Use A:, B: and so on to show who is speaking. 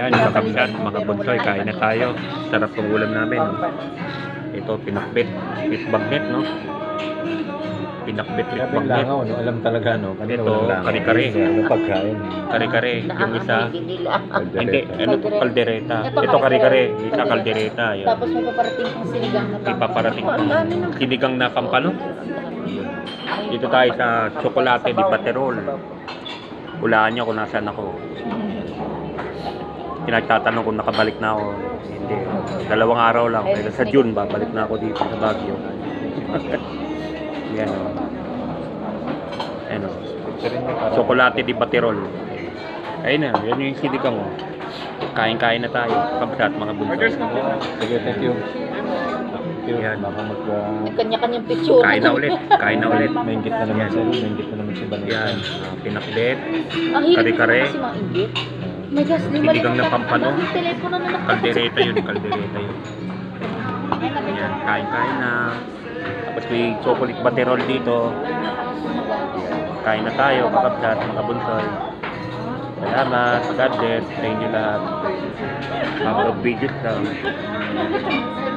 A: Ayan, mga kapsat, mga bunsoy, kain na tayo. Sarap ng ulam namin. Ito, pinakbit. Bit bagnet, no? Pinakbit, bit
B: Grabe
A: bagnet.
B: langaw, no? Alam talaga, no? Kanina
A: Ito,
B: walang langaw.
A: kare-kare.
B: Ano pagkain?
A: Kare-kare. Yung isa,
B: Kaldereta.
A: hindi, ano to, kaldereta. Ito, kare-kare. Yung isa, kaldereta. Yan.
C: Tapos may paparating pang sinigang na
A: Ipaparating pang sinigang na pampano. Dito tayo sa Chocolate di Paterol. Hulaan niyo kung nasaan ako. Pinagtatanong kung nakabalik na ako. Hindi. 2 araw lang. Pero sa June, babalik na ako dito sa Baguio. Yan o. Ano. Chocolate di Paterol. Ayun na. Yan yung sinigang mo. Kain-kain na tayo. Kabsat, mga bunso.
B: Sige, thank you.
A: Yan.
B: Baka
C: Kanya-kanyang picture.
A: Kain na ulit. Kain na ulit.
B: Maingit na naman sa'yo. Maingit na naman si Vanessa.
A: Yan. Pinakbet.
C: Ang hilig
A: Kare-kare.
C: kasi maingit. My gosh, di
A: Sinigang na pampano.
C: Yung telepono na
A: Kaldereta yun. Kaldereta yun. Ayan. Kain-kain na. Tapos may chocolate baterol dito. Kain na tayo. Kakabsat, mga bunsoy. Salamat. God bless. Sa inyo lahat. Upload videos lang.